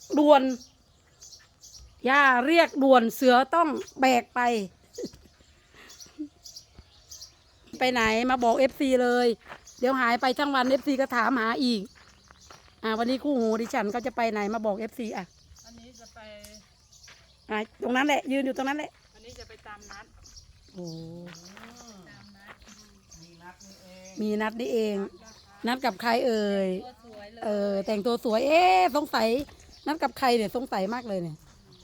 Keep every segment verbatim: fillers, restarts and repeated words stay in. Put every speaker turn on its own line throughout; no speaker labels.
ด่วนย่าเรียกด่วนเสือต้องแบกไป ไปไหนมาบอกเอฟซีเลย เดี๋ยวหายไปทั้งวันเอฟซีก็ถามหาอีกอ่าวันนี้คู่หูดิฉันก็จะไปไหนมาบอกเอฟซีอ่ะ
อันนี้จะไป
อ่ะตรงนั้นแหละยืนอยู่ตรงนั้นแหละ
อันนี้จะไปตามนัด
โอ้
ตามนัด
มีนัดนี่เอง
มีนัดนี่เอง นัดกับใครเอ่ย
ตัวสวยเลย
เออแต่งตัวสวยเอ๊ะสงสัยนัดกับใครเนี่ยสงสัยมากเลยเนี่ย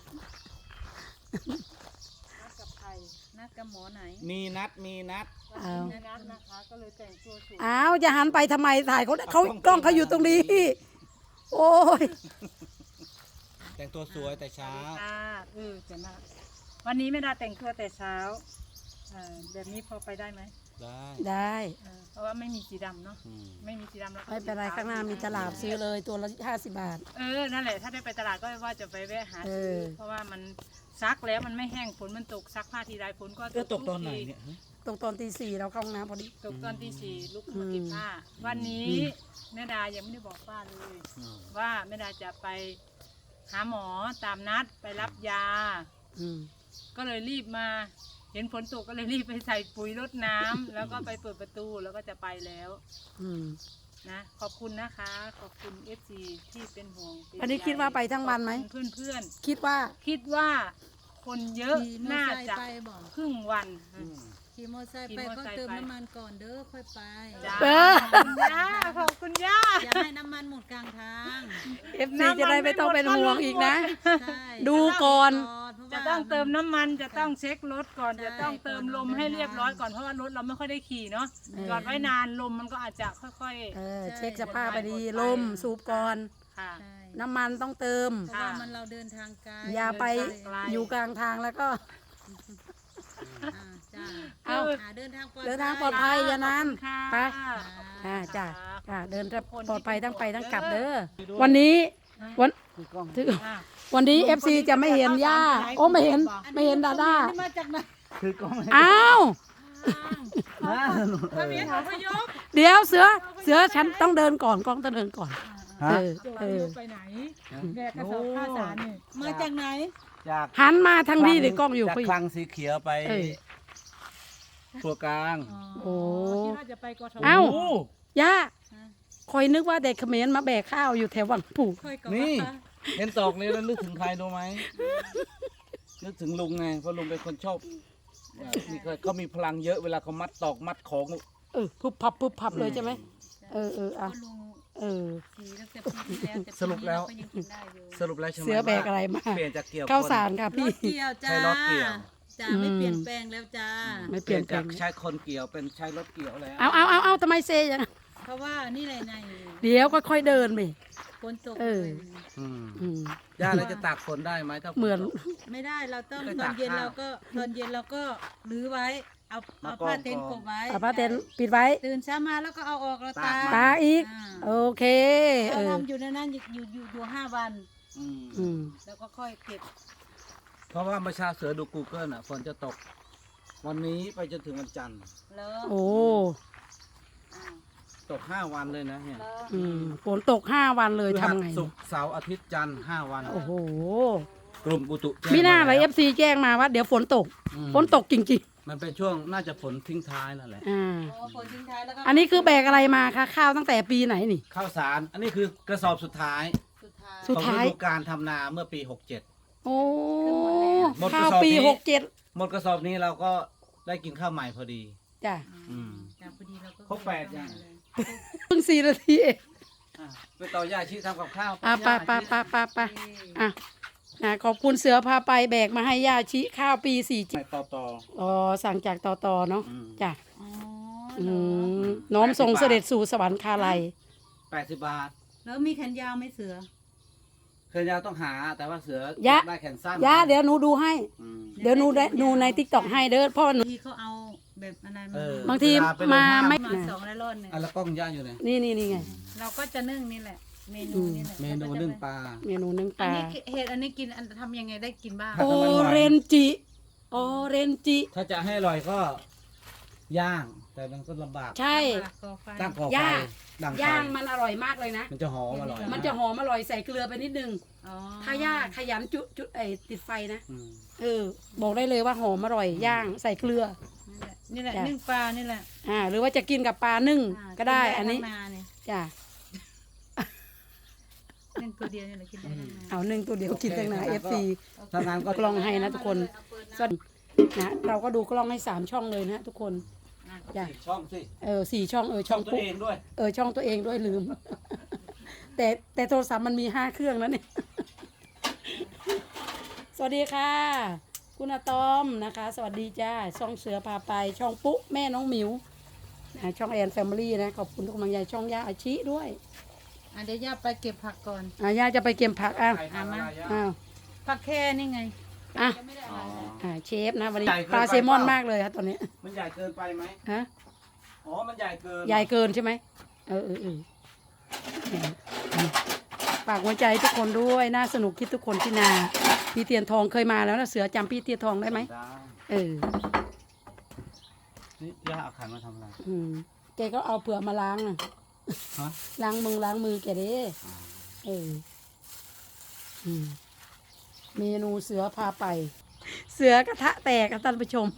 นัดกับใครนัดกับหมอไหน
มีนัดมีนัด
อ้าว
นัดนะคะก็เลยแต่งตัวสวย
อ้าวจะหันไปทำไมถ่ายเขาเขากล้องเขาอยู่ตรงนี้ โอ้ย
แต่งตัวสวยแต่เช้า
อ่าเออจะน่าวันนี้ไม่ได้แต่งตัวแต่เช้าเออแบบนี้พอไปได้ไหม
ได้
ได้
เออเพราะว่าไม่มีสีดำเนาะ
อืม
ไม่มีสีดำแล้วก็
ไม่เป็นไร
สีขว
ข้างหน้ามีตลาดซื้อเลยตัวละห้าสิบบาท
เออนั่นแหละถ้าได้ไปตลาดก็ว่าจะไปแวะหา
เอ
ซื้อ
อ
เพราะว่ามันซักแล้วมันไม่แห้งฝนมันตกซักผ้าทีไรฝนก็
เออตกตอนไหน
ทุ
เนี่ยฮะ
ตรงตอนตีสี่เราเข้าห้องน้ำพอดี
ตกตอนที่สี่ลุกขึ้นมาเก็บผ้า วันนี้
อืม
แม่ดายังไม่ได้บอกป้าเลย
อืม
ว่าแม่ดาจะไปหาหมอตามนัดไปรับยา
อืม
ก็เลยรีบมา เห็นฝนตกก็เลยรีบไปใส่ปุ๋ยรดน้ำ แล้วก็ไปเปิดประตูแล้วก็จะไปแล้ว
อืม
นะขอบคุณนะคะ ขอบคุณเอฟซีที่เป็นห่วงเป็
อันนี้คิดว่าไปทั้งวันไหม
เพื่อนเพื่อน
คิดว่า
ๆคิดว่าคนเยอะ
ขี่มอ
น่า
ไซค์
จะ
ไปบอก
ครึ่งวัน
อืม
ขี่มอไซค์
ขี่
ไป
มอ
ก็
ไซค์
เติม
ไป
น้ำมันก่อนเด้อค่อยไป
จ้า
เออ
ขอบคุณย่าขอบคุณย่า
อย่าให้น้ำมันหมดกลางทาง
เอฟซีจะได้ไม่ต้องเป็นห่วงอีกนะ
ใช่
ดูก่อน
เพราว่า
จะต้องเติมน้ำมันจะต้องเช็ครถก่อน
ใช่
จะต้องเติมลมให้เรียบร้อยก่อนเพราะว่ารถเราไม่ค่อยได้ขี่เนาะ
เออ
จอดไว้นานลมมันก็อาจจะค่อย
เออเช็คสภาพไปดีลมสูบก่อน
ๆค่ะ
ใช่
น้ำมันต้องเติม
เพราะว่ามันเราเดินทางไกล
อย่าไป
เดินทางไกล
อยู่กลางทางแล้วก็
อ่าจ้า
เอา
หาเดินทางปลอด
เดินทางปลอดภัยอย่านาน
ค่ะ
ไป
ค่ะ
อ่าจ้ะจ้ะเดินปลอดภัยทั้งไปทั้งกลับเด้อวันนี้วันถึง
อ่ะ
วันนี้เอฟซีจะไม่เห็นย่าโอ้ไม่เห็นไม่เห็นดาด้า
มาจากไหน
คือกล้องให้
อ้าว
นะ
พระเมียเขาพยพ
เดี๋ยวเสือเสือฉันต้องเดินก่อนกล้องต้องเดินก่อน
ฮะ
เออ
โจ
เอ
พ
อย
พไปไหนแบกกระสอบข้าวสารนี่
มาจากไหน
จาก
หันมาทางนี้เดี๋ยวกล้องอยู่
จาก
พี่
คลังสีเขียวไป
เออ
ตัวกลาง
โอ้
คิดว่าจะไปกทม
เอ้า
โ
ย่าคอยนึกว่าเด็กเขมรมาแบกข้าวอยู่แถววังปู่
ค่อยก่อน
นี่
นะคะ
เห็นตอกนี้แล้วนึกถึงใครดูไหมนึกถึงลุงไงเพราะลุงเป็นคนชอบเอ่อมีเขาเขามีพลังเยอะเวลาเขามัดตอกมัดของ
เออพุบพับพุบพับเลยใช่ไหมเออเอออ่ะ
ก็ลุง
เออ
ขี่ตั้งแต่ปีที่แล้วแต่ปี
สรุปแล้ว
นี้เราก็ยังกินได้อยู่
สรุปแล้วใช่ไหม
เสือแบกอะไรมา
เปลี่ยนจากเกี่ยว
ข้าว
คน
สารค่ะ
ร
พี่
ถเกี่ยวจ้า
ใช้รถเกี่ยว
จ้า
อืม
ไม่เปลี่ยนแปลงแล้วจ้า
ไม่
เป
เปลี่
ลี่
ย
ย
น
น
แปล
จาก
ง
ใช้คนเกี่ยวเป็นใช้รถเกี่ยวแล้ว
เอาเอาเอาเอาทำไมเซอย่างนั้น
เพราะว่านี่แหละไง
เดี๋ยวก็ค่อยเดินไป
ฝนตก
เออ
อืม
อืม
ย่าเราจะตากฝนได้ไหมถ้าฝ
เหมือน
ตก
ไม่ได้เราต้อง
เคย
ตอ
ตาน ก
เย็น
ข้าว
เราก็ตอนเย็นเราก็รื้อไว้ เอา
มา
เอาผ้าก
อง
เต็นท์
ก
ก
อง
บไว้
เอาผ้าเต็นท์ปิดไว้
ตื่นเช้ามาแล้วก็เอาออกเราตาก
ตาก
ตาอีก
อ่า
โอเคเอ
เรา
อ
ทำอยู่ในนั้นอยู่อยู่อยู่อยู่ห้าวัน
อืม
อืม
แล้วก็ค่อยเก็บ
เพราะว่าเมื่อเช้าเสือดู Google อ่ะฝนจะตก วันนี้ไปจนถึงวันจันทร์
แล้ว
โอ้
อ่า
ตกห้าวันเลยนะเนี่ย
แล้ว
อืมฝนตกห้าวันเลยทำไง
ศุกร์เสาร์อาทิตย์จันทร์ห้าวัน
โอ้โห
กลุ่มอุตุแจ้ง
มีหน้าอะไร
แล้ว
เอฟซีแจ้งมาว่าเดี๋ยวฝนตก
อืม
ฝนตกจริง
มันเป็นช่วงน่าจะฝนทิ้งท้ายนั่นแหละ
ๆอ่า
โอ้ฝนทิ้งท้ายแล้วก็
อันนี้คือแบกอะไรมาคะข้าวตั้งแต่ปีไหนนี่
ข้าวสาร อันนี้คือกระสอบสุดท้าย
สุดท้าย
สุด
ของ
ท้าย
ฤดูการทำนาเมื่อปีหกเจ็ด
โอ้
หมดก
ข้า
ระ
ว
สอบ
ปี
นี้
หกเจ็ด
หมดกระสอบนี้เราก็ได้กินข้าวใหม่พอดี
จ้ะ
อืม
จ้ะพอดีเราก็
ครบแปดอย่าง
เพิ่งสี่นาทีเอง
อ่ะไปต่อยาชีทำกับข้าว
อ่ะไปไปไปไปไปอ่ะอ่ะขอบคุณเสือพาไปแบกมาให้ย่าชิข้าวปีสี่
ไปต่อต่อ
อ๋อสั่งจากต่อต่อเนาะ
อืม
จ้ะ
อ๋อ
อื
เหรอ
มน้อมทรงเสด็จสู่สวรรคาลัย
แปดสิบบาท
แล้วมีแขนยาวไหมเสือ
เคยยาวต้องหาแต่ว่าเสือย
ะ
ได้แขนสั้น
ย่าเดี๋ยวหนูดูให้
อืม
เดี๋ยวหนูได้หนูในติ๊กต็อกให้เด้อเพราะว่าหนู
บางทีเขาเอาแบบอะไรมา
เออ
บางที
เวลไปลง
มา
ห้
ไม่
มาสองแล้วรอดหนึ่ง
อ่ะแล้วกล้องย่าอยู่ไหน
นี่นี่นี่ไง
เราก็จะนึ่งนี่แหละ เมนูนี่แหละ
เมนูนึ่งปลา
เมนูนึ่งป
อัน
ลา
นี้เห็ดอันนี้กินอันทำยังไงได้กินบ้าง
ผัด
โอ
น้ำมันหวาน
เรนจิโอเรนจิ
ถ้าจะให้อร่อยก็ย่าง แต่มันก็ลำบาก
ใช่
ก่อไฟ
ตั้งก่อไฟ
ย่าง
ดังไฟ
ย่างมันอร่อยมากเลยนะ
มันจะหอมอร่อย
มันจะหอมอร่อยใส่เกลือไปนิดนึง
อ๋อ
ถ้าย่าขยันจุจุไอติดไฟนะ
อืม
เออ บอกได้เลยว่าหอมอร่อยย่างใส่เกลือ
นี่แหละ
จ้ะ
นึ่งปลานี่แหละ
อ่า หรือว่าจะกินกับปลานึ่ง
อ่า
ก็ได้
กิ
อันนี้
ทั้งนาเนี่ย
จ้ะ
นึ่งตัวเดียวนี่แหละกินได้ทั้งนา
เอาหนึ่งตัวเดียวกินตั้งนาเอฟซี
ถ้างั้นก็
กล้องให้นะทุกคนส่วนนะเราก็ดูกล้องให้สามช่องเลยนะทุกคนจ้ะ
อีกช่องสิ
เออสี่ช่องเออ
ช่
ช่
อ
อง ง
ตัว
ปุ๊
เองด้วย
เออช่องตัวเองด้วยลืม แต่แต่โทรศัพท์มันมีห้าเครื่องแล้วเนี่ย สวัสดีค่ะ คุณอาตอมนะคะ สวัสดีจ้าช่องเสือพาไป ช่องปุ๊แม่น้องหมิวนะช่องแอนแฟมิลี่นะขอบคุณทุกกำลังใจช่องย่าอาชิด้วย
อ่ะเดี๋ยวย่าไปเก็บผักก่อน
อ่ะย่าจะไปเก็บผักอ้าว
ใครทำอะไรย่ะ
อ้าว
ผักแค่นี่ไง
อ่ะ
อ๋อ
อ่าเชฟนะวันนี้
ใหญ่เกิน
ปลา
ไป
เซลมอน
เปล่าม
มากเลยครับตอนนี้
มันใหญ่เกินไปไหม
ฮะ
อ๋อ มันใหญ่เกิน
ใหญ่เกินใช่ไหมเออเออเออฝากหัวใจทุกคนด้วยน่าสนุกคิดทุกคนที่นา พี่เตียนทองเคยมาแล้วนะเสือจำพี่เตียนทองได้ไหม
ได้
เออ
นี่ย่าเอาขันมาทำอะไร
อืมแกก็เอาเปลือกมาล้างน่ะ
ฮะ
ล้างมือล้างมือแกเด้เอออืมเมนูเสือพาไป เสือกระทะแตกครับท่านผู้ชม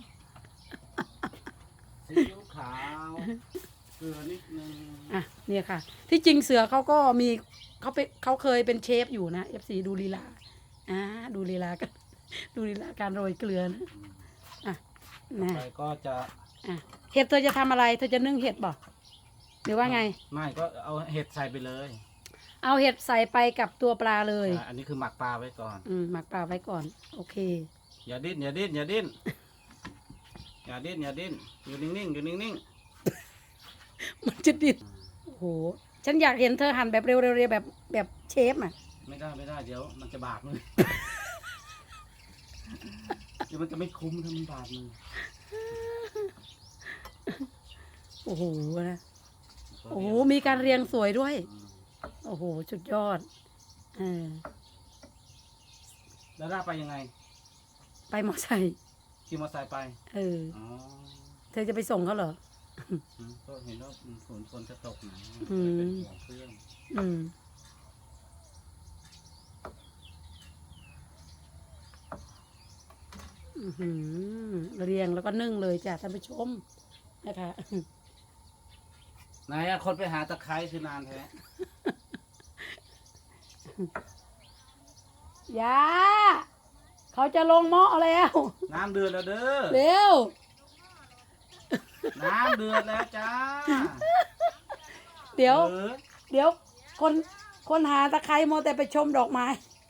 ซีอิ๊วขาวเกลือนิดนึง
อ่ะเนี่ยค่ะ ที่จริงเสือเขาก็มีเขาเป็นเขาเคยเป็นเชฟอยู่นะเอฟซีดูลีลาอ่าดูลีลากัน ดูลีลาการโรยเกลือนะอ่ะนะ
ไปก็จะ
อ่ะเห็ดเธอจะทำอะไร เธอจะนึ่งเห็ดบ่หรือว่าไง
ไม่ก็เอาเห็ดใส่ไปเลย
เอาเห็ดใส่ไปกับตัวปลาเลย
อ่ะอันนี้คือหมักปลาไว้ก่อน
อืมหมักปลาไว้ก่อน โอเค
อย่าดิ้นอย่าดิ้นอย่าดิ้นอย่าดิ้นอย่าดิ้นอยู่นิ่งๆอยู่นิ่ง
มันจะดิบโอ้โหฉันอยากเห็นเธอหั่นแบบเร็วๆแบบแบบเชฟอ่ะ
ๆไม่ได้ไม่ได้เดี๋ยวมันจะบาดมือ เดี๋ยวมันจะไม่คุ้มถ้ามันบาดมือ
โอ้โหนะโอ้โหมีการเรียงสวยด้วย โอ้โหสุดยอดเออ
แล้วล่าไปยังไง
ไปมอไซค์
ขี่มอเตอร์ไซค์ไป
เออ
อ๋อ
เธอจะไปส่งเขาเหรอ
อืมก็เห็นว่าฝนฝนจะตกหนะ
อืม
เป็นห่วงเครื่อง
อืมอื้อหือเรียงแล้วก็นึ่งเลยจ้ะท่านผู้ชมนะคะ
ไหนอะคนไปหาตะไคร้คือนานแท้
ยาเขาจะลงหม้อแล้ว
น้ำเดือดแล้วเด้อ
เร็ว
น้ำเดือดแล้วจ้า
เดี๋ยว
ออ
เดี๋ยว คนคนหาตะไคร้โมวแต่ไปชมดอกไม้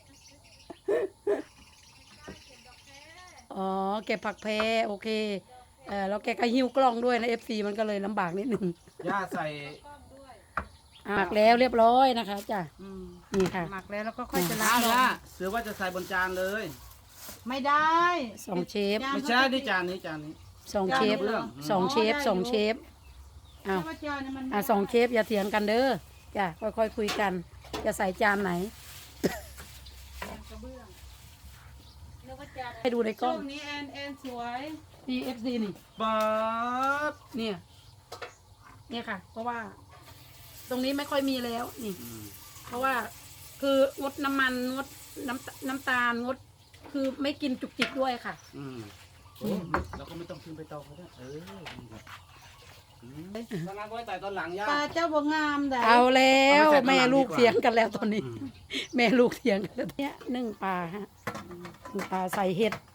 อ๋อ เก็บผักแพรโอเค เออแล้วแกก็หิ้วกล้องด้วยนะเอฟซีมันก็เลยลำบากนิดนึง
ย่าใส่
หมักแล้วเรียบร้อยนะคะจ้ะ
อืม
นี่ค่ะ
หมักแล้วแล้วก็ค่อยจะล้า
อ้าง ว
ล
ย่าง เสือว่าจะใส่บนจานเลย
ไม่ได้
สองเชฟ
ไม่ใช่นี่จานนี้จานนี้
สองเชฟ
เรื่อง
สองเชฟสองเชฟอ้าว
ถ้าว่าจานเนี่ยมันไม่
อ่ะสองเชฟอย่าเถียงกันเด้อจ้ะค่อยๆคุยกัน จะใส่จานไหน
กระเบื้องแล้วก็จาน
ให้ดูในกล้
ช่
อ
ว
ง
งนี้แอนแอนสวย
นี่เอฟซีนี่
ป๊าบ
เนี่ย เนี่ยค่ะ เพราะว่า ตรงนี้ไม่ค่อยมีแล้วนี่
อืม
เพราะว่าคืองดน้ำมันงดน้ำน้ำตาลงด คือไม่กินจุกจิกด้วยค่ะ
อืมโอ้เราก็ไม่ต้องขึ้นไปเตาเขาด้วยเออดีครับอืมตอนนั้นไว้แต่ตอนหลังย่า
ปลาเจ้าบ่งามได้
เอาแล้ว
เอาไปใส่
แม่
ข้างหลัง
ลูก
ดีกว่า
เถียงกันแล้วตอนนี้
อืม
แม่ลูกเถียงกันแล้วเนี่ยนึ่งปลาฮะนึ่งปลาใส่เห็ด